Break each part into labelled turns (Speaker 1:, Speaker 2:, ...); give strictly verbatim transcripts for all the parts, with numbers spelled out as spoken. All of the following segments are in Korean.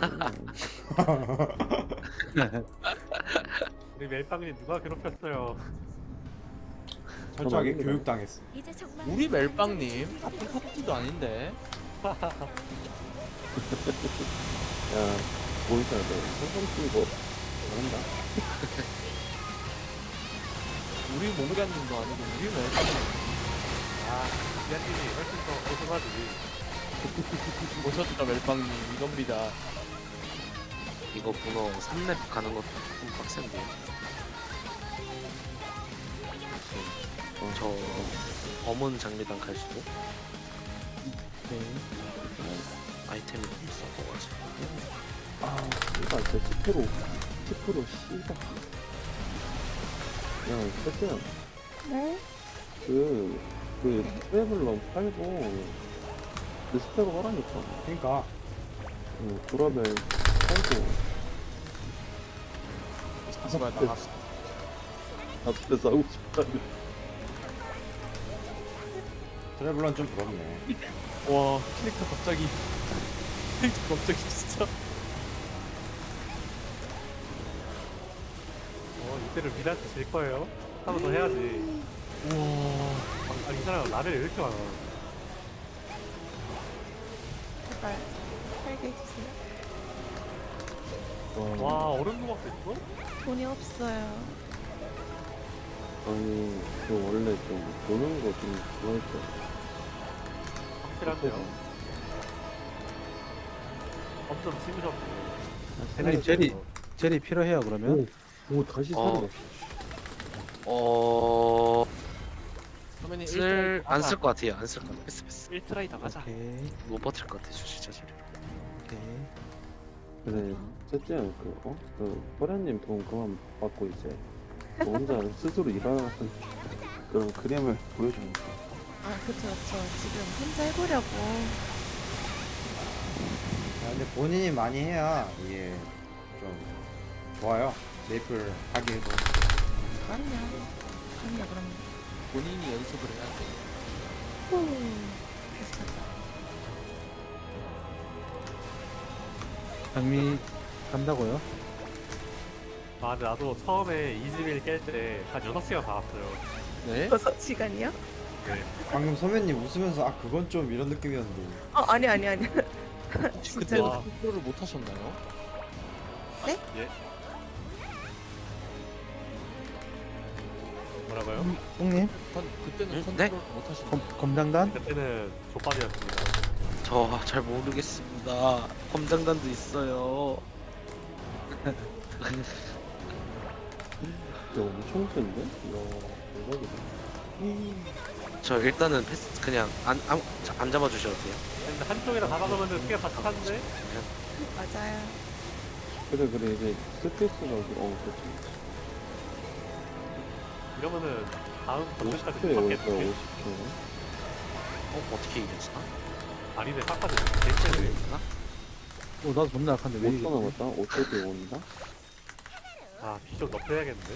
Speaker 1: 우리 멜빵님 누가 괴롭혔어요?
Speaker 2: 철저하게
Speaker 3: 아닙니다.
Speaker 2: 교육당했어.
Speaker 4: 우리 멜빵님 같은 파티도 아닌데.
Speaker 3: 야, 보이잖아, 너. 성공 치고 잘한다.
Speaker 4: 우리 몽간님도 아니고 우리 멜빵님.
Speaker 1: 아, 미안님이 훨씬 더 고소하지.
Speaker 4: 오셨다 멜빵님 이겁니다.
Speaker 5: 이거 문어 삼 렙 가는 것도 좀 빡센데. 저 검은 장미단 갈 수도
Speaker 4: 네.
Speaker 5: 아이템이 너무 비싸가지고.
Speaker 3: 아, 씨발, 진짜 십 퍼센트, 십 퍼센트, 씨발. 야, 세트야.
Speaker 6: 네?
Speaker 3: 그, 그, 트래블럼 팔고, 리스펙을 하라니까.
Speaker 2: 그러니까
Speaker 3: 응, 구라벨 팔고,
Speaker 4: 제발 나갔어.
Speaker 3: 앞에 싸우고 싶다.
Speaker 2: 트래블런 좀 부럽네.
Speaker 4: 와 캐릭터 갑자기 캐릭터 갑자기 진짜.
Speaker 1: 어, 이때를 미라한테 질 거예요. 한 번 더 해야지.
Speaker 4: 우와.
Speaker 1: 아, 이 사람 라벨 왜 이렇게 많아?
Speaker 6: 제발 살게 해주세요.
Speaker 1: 와, 얼음 조각도 있어?
Speaker 6: 돈이 없어요.
Speaker 3: 아니, 저 원래 좀, 보는 거 좀 좋아했죠.
Speaker 1: 확실한데요. 엄청 심으셨고.
Speaker 7: 아니, 제리 제리 필요해요 그러면?
Speaker 3: 오, 오, 다시
Speaker 5: 어.
Speaker 3: 살아났어.
Speaker 5: 어...
Speaker 4: 선배님
Speaker 5: 쓸... 안 쓸 것 같아요. 안 쓸 것 같아. 패스 패스.
Speaker 4: 일 트라이 다 가자.
Speaker 7: 오케이
Speaker 5: 못 버틸 것 같아. 진짜 자리로.
Speaker 7: 오케이.
Speaker 3: 그래, 셋째, 그, 어? 그, 호련님 돈 그만 받고 이제, 너 혼자 스스로 일하는 그런 그림을 보여주는 거.
Speaker 6: 아, 그쵸, 그쵸. 지금 혼자 해보려고.
Speaker 2: 아, 근데 본인이 많이 해야 이게 좀 좋아요. 메이플 하기에도.
Speaker 6: 그럼요. 그럼요, 그럼요.
Speaker 4: 본인이 연습을 해야 돼.
Speaker 6: 후. 비슷하다.
Speaker 7: 장미 간다고요?
Speaker 1: 아, 근데 나도 처음에 이즈밀 깰 때 한 여섯 시간 받았어요.
Speaker 4: 네?
Speaker 6: 여섯 시간이요?
Speaker 1: 네.
Speaker 2: 방금 선배님 웃으면서 아 그건 좀 이런 느낌이었는데.
Speaker 6: 어, 아니, 아니, 아니.
Speaker 4: 혹시
Speaker 6: 진짜.
Speaker 4: 그때
Speaker 1: 와.
Speaker 4: 컨트롤을 못 하셨나요?
Speaker 1: 예? 뭐라고요?
Speaker 7: 똥님
Speaker 4: 건 그때는
Speaker 5: 응?
Speaker 4: 컨트롤 못 하셨나요?
Speaker 7: 검, 검장단?
Speaker 1: 그때는 족밥이었습니다.
Speaker 5: 저 잘 모르겠습니다. 검장단도 있어요.
Speaker 3: 야, 엄청 센데? 야, 대박이다.
Speaker 5: 저 일단은 패스 그냥 안, 안, 안 잡아주셔도 돼요.
Speaker 1: 근데 한쪽이랑 다 박으면 피가 다 차는데?
Speaker 6: 맞아요.
Speaker 3: 그래, 그래, 이제 스페이스가, 어, 그렇지.
Speaker 1: 이러면은 다음
Speaker 3: 오십
Speaker 1: 번째까지
Speaker 3: 초에
Speaker 1: 못
Speaker 3: 올 거야,
Speaker 1: 받겠지?
Speaker 3: 오십 초.
Speaker 5: 어? 어떻게 이겼어?
Speaker 1: 아니네, 깎아줘. 개체네.
Speaker 5: 이겼나?
Speaker 7: 어 나도 존나 약한데 왜
Speaker 3: 오 초
Speaker 7: 이게?
Speaker 3: 남았다? 오 초 뒤에 온다?
Speaker 1: 아, 비좀 높여야겠는데?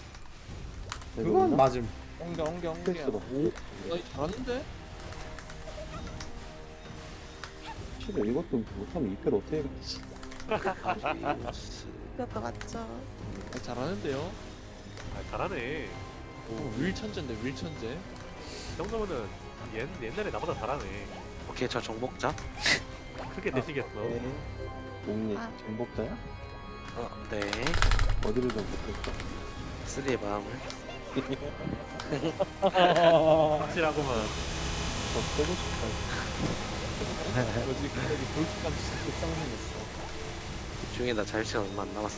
Speaker 2: 그건 맞음.
Speaker 4: 엉겨 엉겨 엉겨.
Speaker 3: 스페이스가.
Speaker 4: 오, 나 잘하는데?
Speaker 3: 실은 이것도 못하면 이 패를 어떻게 해야겠지?
Speaker 5: 아리우스.
Speaker 6: 그것도 맞죠.
Speaker 4: 아, 잘하는데요?
Speaker 1: 아, 잘하네.
Speaker 4: 오, 윌 천재인데 윌 천재.
Speaker 1: 이 정도면은 옛, 옛날에 나보다 잘하네.
Speaker 5: 오케이 저 정복자.
Speaker 1: 크게 되시겠어.
Speaker 3: 옥니,
Speaker 6: 아.
Speaker 3: 정복자야?
Speaker 5: 어, 네.
Speaker 3: 어디를 정복했어?
Speaker 5: 쓰리의 마음을.
Speaker 1: 확실하고만.
Speaker 3: 더 빼고 싶다.
Speaker 4: 뭐지 갑자기 돌직감 진짜 쌍둥이였어.
Speaker 5: 중에 나 잘 시간 얼마 안 남았어.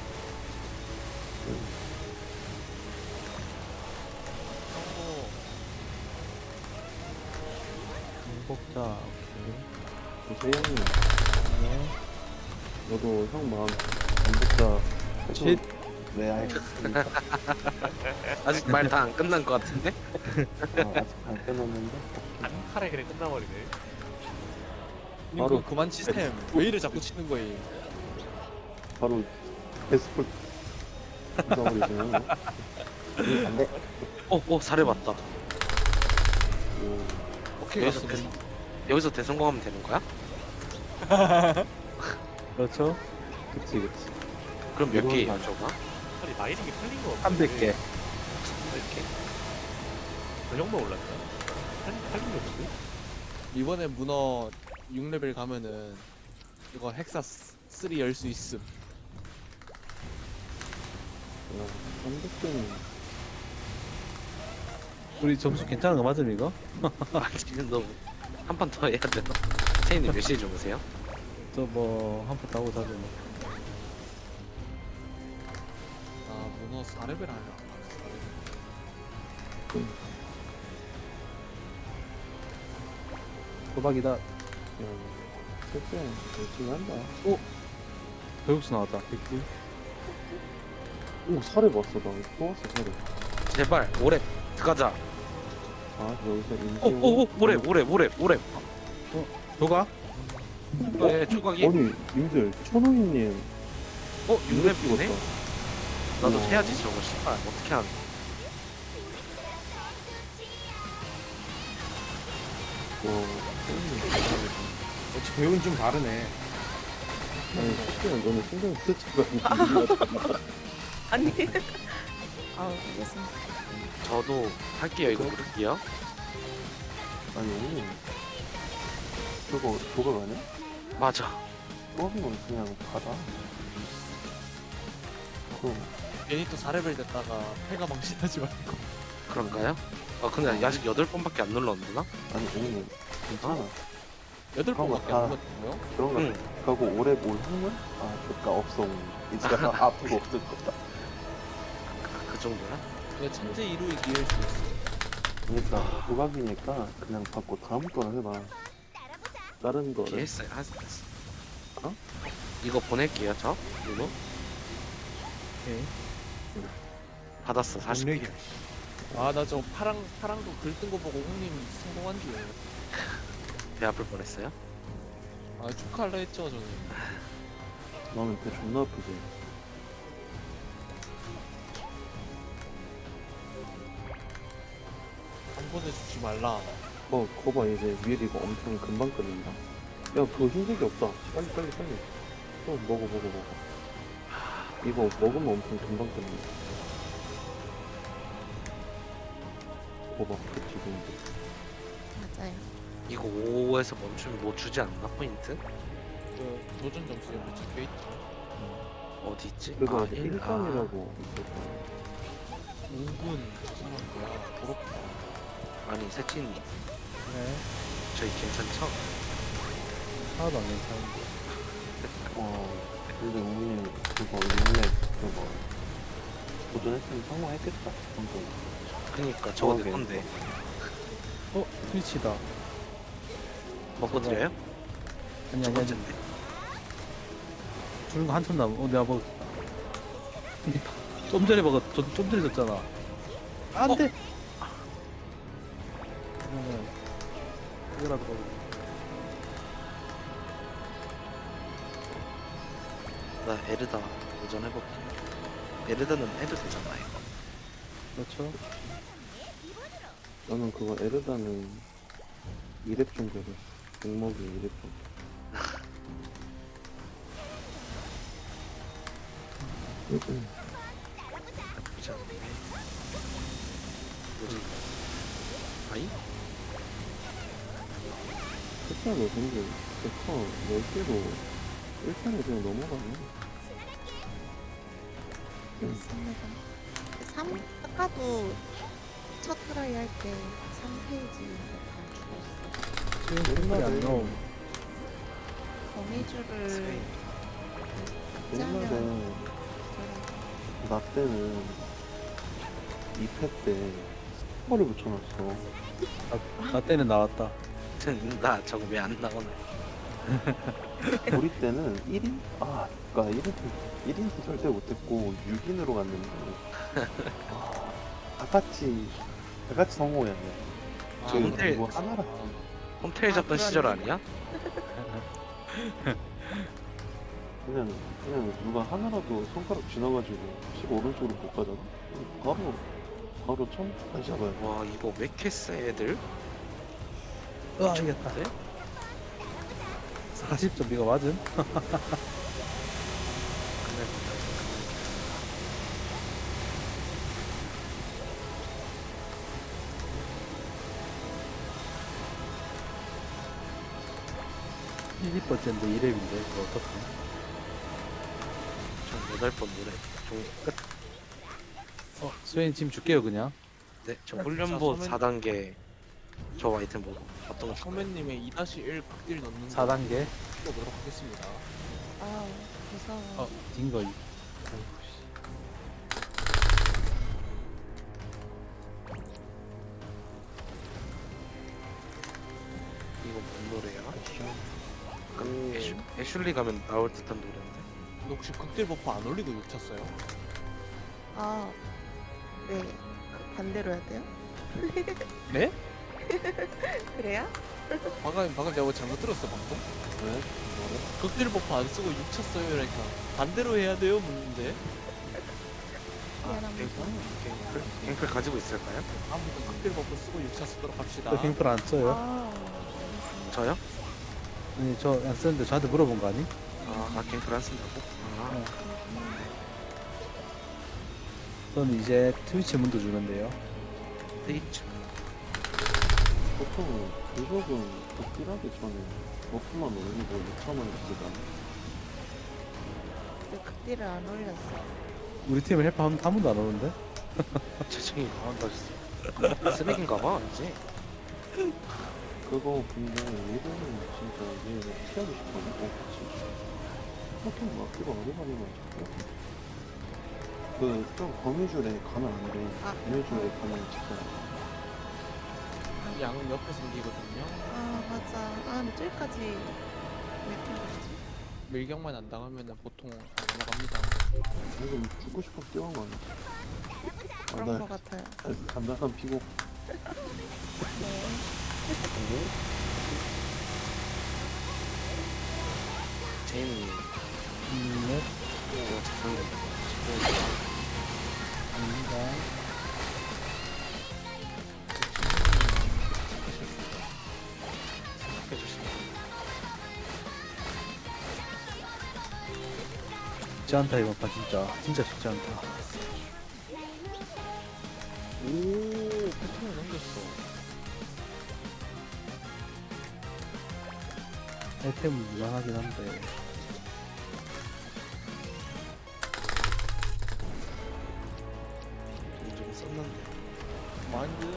Speaker 4: 어,
Speaker 7: 공복자 오케이.
Speaker 3: 재현이,
Speaker 7: 네.
Speaker 3: 너도 형 마음 정복자.
Speaker 7: 쉿.
Speaker 3: 네, 알겠습니다.
Speaker 5: 아직 말 다 안 끝난 것 같은데?
Speaker 3: 아, 아직 안 끝났는데?
Speaker 1: 한 칼에 그냥 끝나버리네.
Speaker 4: 바로
Speaker 3: 바로-
Speaker 4: 그만 시스템 왜 이래 자꾸 치는 거예요?
Speaker 3: 바로 데스폴 잊어버리시면 안 돼.
Speaker 5: 어, 어, 사례 맞다.
Speaker 3: 오,
Speaker 4: 오케이
Speaker 5: 여기서
Speaker 4: 갔어.
Speaker 5: 대, 여기서 대성공하면 되는 거야?
Speaker 7: 그렇죠.
Speaker 3: 그치 그치.
Speaker 5: 그럼 몇
Speaker 3: 이건
Speaker 5: 개예요
Speaker 3: 맞아.
Speaker 5: 저거?
Speaker 1: 아니 마이닝이 풀린 거 없는데
Speaker 7: 삼백 개.
Speaker 5: 이렇게.
Speaker 1: 저 정도 올랐죠? 팔린 게 없지?
Speaker 4: 이번에 문어 육 레벨 가면은 이거 헥사 삼 열 수 있음.
Speaker 3: 야, 삼백 개는
Speaker 7: 우리 점수 괜찮은 거 맞음 이거?
Speaker 5: 아 지금 너무 한 판 더 해야 되나? 세인님 몇 시에 주무세요?
Speaker 7: 저 뭐 한 번 더 하고 자죠 뭐.
Speaker 4: 아 문어 사 레벨 하냐? 사 레벨.
Speaker 7: 도박이다.
Speaker 3: 야, 셋째 열심히 한다.
Speaker 7: 배육수 나왔다. 백구.
Speaker 3: 오 살해 봤어 나. 또 왔어 살해.
Speaker 5: 제발 오래 들어가자.
Speaker 3: 아 여기서 인지.
Speaker 5: 오오오 오래 오래 오래 오래.
Speaker 7: 도가?
Speaker 5: 네 조각이.
Speaker 3: 아니 님들 천호이님
Speaker 5: 어 육 렙이네?
Speaker 3: 찍었다.
Speaker 5: 나도
Speaker 3: 어.
Speaker 5: 해야지 저거 씨발 어떻게 하는?
Speaker 3: 와.
Speaker 2: 역시 배우는 좀 다르네.
Speaker 3: 아니 셋째야 너는 신경 쓰지가
Speaker 6: 아니. 아, 알겠습니다.
Speaker 5: 저도 할게요 이거 누를게요.
Speaker 3: 아니 저거 조각 아니야?
Speaker 5: 맞아.
Speaker 3: 조각이면 그냥 받아. 그럼
Speaker 4: 괜히 또 사 레벨 됐다가 패가 망신하지 말고.
Speaker 5: 그런가요? 아 근데 아직 여덟 번밖에 안 눌렀나?
Speaker 3: 아니 아니 괜찮아.
Speaker 4: 여덟
Speaker 3: 그런 거
Speaker 4: 번밖에
Speaker 3: 다-
Speaker 4: 안 먹었고요.
Speaker 3: 그런 거
Speaker 5: 응.
Speaker 3: 가고 오래 올 확률? 아 좋다 없어 이제 아프고 없을 거다.
Speaker 5: 그 정도야?
Speaker 4: 근데 천재 이루이 기회일 수 있어.
Speaker 3: 그러니까 조각이니까 그냥 받고 다음 거는 해봐. 다른 거를
Speaker 5: 했어요 했어.
Speaker 3: 어?
Speaker 5: 이거 보낼게요 저 이거
Speaker 7: 오케이.
Speaker 5: 받았어 사십 개.
Speaker 2: 능력이야.
Speaker 4: 아 나 저 파랑 파랑도 글 뜬 거 보고 형님 성공한 줄.
Speaker 5: 배 아플 뻔했어요.
Speaker 4: 아 축하할라 했죠 저는.
Speaker 3: 나는 배 존나 아프지.
Speaker 4: 한 번에 주지 말라.
Speaker 3: 어 거봐 이제 위에 이거 엄청 금방 끓는다. 야 그거 흰색이 없다. 빨리 빨리 빨리. 또 먹어 먹어 먹어. 이거 먹으면 엄청 금방 끓는다. 거봐 그 지금
Speaker 6: 맞아요.
Speaker 5: 이거 오에서 멈추면 뭐 주지 않나 포인트?
Speaker 4: 저 도전 점수에 뭐 적혀 있죠.
Speaker 5: 어디 있지?
Speaker 3: 그거
Speaker 5: 아,
Speaker 3: 아직
Speaker 5: 일,
Speaker 3: 일 점이라고 있었어.
Speaker 4: 오 분 죄송한 거야. 부럽다.
Speaker 5: 아, 아니 세친님
Speaker 7: 네.
Speaker 5: 저희 괜찮죠?
Speaker 7: 하나도 안 괜찮은데.
Speaker 3: 와 근데 우리 그거 인맥 그거 도전했으면 성공했겠다. 방금.
Speaker 5: 그니까 저거 내
Speaker 3: 오케이.
Speaker 5: 건데
Speaker 7: 어 트위치다.
Speaker 5: 먹고 드려요?
Speaker 7: 아니
Speaker 5: 첫
Speaker 7: 아니 아니.
Speaker 5: 번째인데
Speaker 7: 주는 거 한참 남은. 어 내가 먹. 좀 전에 먹었. 좀, 좀 전에 줬잖아. 안돼. 그러면 이거라도 먹어.
Speaker 5: 나 에르다 도전해볼게. 에르다는 해도 되잖아 이거.
Speaker 7: 그렇죠.
Speaker 3: 나는 그거 에르다는 이 렙 정도 했어. 목목이 이 렙 정도.
Speaker 5: 나쁘지 않네. 뭐지? 아이?
Speaker 3: 진짜 너 근데 데커 열 개로 일 편에 그냥 넘어가네.
Speaker 6: 맞습니다. 삼 아까도 첫 트라이 할 때 삼 페이지에서 다 죽었어.
Speaker 7: 지금 끝이 안 나옴.
Speaker 6: 거미줄을
Speaker 3: 옛날에
Speaker 6: 짜면
Speaker 3: 나 때는 이 패 때 스포를 붙여놨어.
Speaker 7: 나, 나 때는 나왔다.
Speaker 5: 나 저거 왜 안 나오나?
Speaker 3: 우리 때는 일 인? 아, 그니까 일 인, 일 인도 절대 못했고 육 인으로 갔는데 와, 다 같이 다 같이 성공했네.
Speaker 4: 아,
Speaker 3: 저희
Speaker 5: 홈텔-
Speaker 3: 뭐 하나라
Speaker 5: 홈테일 잡던
Speaker 6: 아,
Speaker 5: 시절
Speaker 6: 그러네.
Speaker 5: 아니야?
Speaker 3: 그냥 그냥 누가 하나라도 손가락 지나가지고 실 오른쪽으로 못 가잖아. 바로 바로 처음 다시 잡아야 돼.
Speaker 5: 와 이거 왜 이렇게 세 애들?
Speaker 7: 으아 이겼다.
Speaker 5: 네?
Speaker 7: 사십 점 이거 맞음? 일십 번째인데 이 렙인데 이거 어떡해?
Speaker 5: 전 여덟 번 노래. 종 끝.
Speaker 7: 어, 수현이 지금 줄게요 그냥.
Speaker 5: 네, 저 훈련보
Speaker 4: 소맨-
Speaker 5: 사 단계 저 아이템 뭐 어떤 거 줄까요?
Speaker 4: 소매님의 이 일 극딜 넣는
Speaker 7: 사 단계.
Speaker 4: 보도록 하겠습니다.
Speaker 6: 아 무서워.
Speaker 7: 어, 딩거.
Speaker 5: 이거 뭔 노래야? 약간 애슐, 애슐리 가면 나올 듯한 노래인데.
Speaker 4: 근데 혹시 극딜 버프 안 올리고 육 쳤어요?
Speaker 6: 아 네. 그 반대로 해야 돼요?
Speaker 4: 네?
Speaker 6: 그래요?
Speaker 4: 방금 방금 내가 뭐 잘못 들었어 방금?
Speaker 3: 왜? 뭐래?
Speaker 4: 극딜 버프 안 쓰고 육 쳤어요 그러니까 반대로 해야 돼요 묻는데
Speaker 5: 아,
Speaker 6: 미안합니다.
Speaker 5: 갱플? 갱플 가지고 있을까요?
Speaker 4: 아무튼 극딜 버프 쓰고 육 쳤도록 합시다.
Speaker 7: 저 갱플 안 써요?
Speaker 6: 아 알겠습니다.
Speaker 5: 저요?
Speaker 7: 아니 저 안 쓰는데 저한테 물어본 거 아니?
Speaker 5: 아, 아 갱플 안 쓴다고? 아,
Speaker 7: 저는 이제 트위치 문도 주는데요.
Speaker 5: 페이츠.
Speaker 3: 보통 그속은 극딜하기 전에 버프만 올리고 육천 원을 쓰잖아.
Speaker 6: 근데 극딜을 안 올렸어.
Speaker 7: 우리 팀은 헬파 한, 한 번도 안 오는데?
Speaker 5: 재정이 나온다 진짜. 쓰레기인가봐 이제.
Speaker 3: 그거 근데 얘들은 진짜 얘 피하고 싶어하고 같이 보통 막기가 어려가지고 자꾸 그좀 거미줄에 가면 안 돼.
Speaker 6: 아.
Speaker 3: 거미줄에 가면 진짜
Speaker 4: 양 옆에 생기거든요.
Speaker 6: 아 맞아. 아 근데 저기까지 왜 이렇게 가지?
Speaker 4: 밀격만 안 당하면 보통 안 넘어갑니다.
Speaker 3: 지금 죽고 싶어 뛰어간 거 아니야?
Speaker 6: 그런
Speaker 3: 아,
Speaker 6: 거 같아요.
Speaker 3: 나 간단한 피고
Speaker 6: 네.
Speaker 5: 제이님
Speaker 7: 음, 네.
Speaker 5: 제가 죄송합니다.
Speaker 7: 아닙니다.
Speaker 5: 해주시면.
Speaker 7: 쉽지 않다 이번 판 진짜. 진짜 쉽지 않다.
Speaker 4: 오 패턴을 넘겼어.
Speaker 7: 아이템은 무난하긴 한데.
Speaker 5: 돈 좀 썼는데.
Speaker 4: 마인드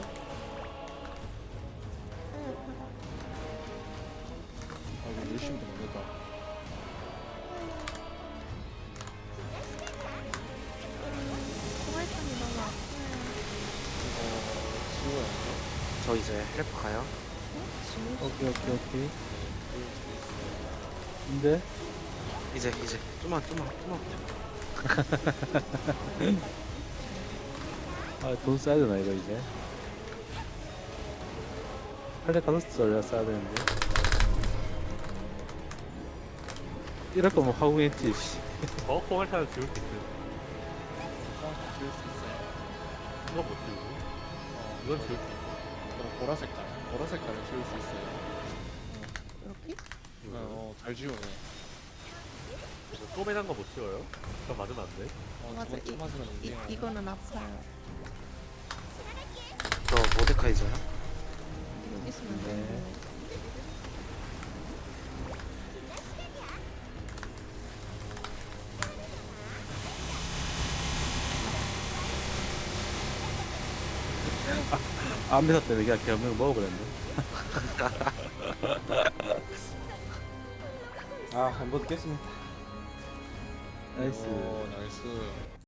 Speaker 4: 아 이거 열심히 넘겼다.
Speaker 6: 코발탄이 너무 아파요.
Speaker 4: 이거 지워야죠.
Speaker 5: 저 이제 헬프 가요.
Speaker 6: 어? 지울
Speaker 7: 오케이 오케이 오케이. 근데
Speaker 5: 이제 이제 좀만 좀만 좀만.
Speaker 7: 아, 돈 써야 되나 이거 이제? 팔레 카더스 얼려 써야 되는데. 이럴 거면 화공했지. 씨.
Speaker 1: 어? 포괄타는 지울 수 있어.
Speaker 4: 어, 지울 수 있어요.
Speaker 1: 이거 못 지우고.
Speaker 4: 어,
Speaker 1: 이건 지울 수 있어.
Speaker 4: 그럼 보라 색깔. 보라 색깔을 지울 수 있어요.
Speaker 6: 이렇게?
Speaker 4: 어, 어, 잘 지우네.
Speaker 1: 쪼매난 거 못 지워요? 그럼 맞으면 안 돼.
Speaker 4: 어,
Speaker 6: 맞아.
Speaker 4: 저번 주 맞으면 안
Speaker 6: 이,
Speaker 4: 돼요.
Speaker 6: 이거는 아파요.
Speaker 5: 저 모데카이저요?
Speaker 6: 여기 있으면
Speaker 7: 네.
Speaker 6: 네.
Speaker 7: 안메사 때문에 그냥 개명 먹어버렸네.
Speaker 2: 아, 한번 깼습니다.
Speaker 7: 나이스.
Speaker 4: 오, 나이스.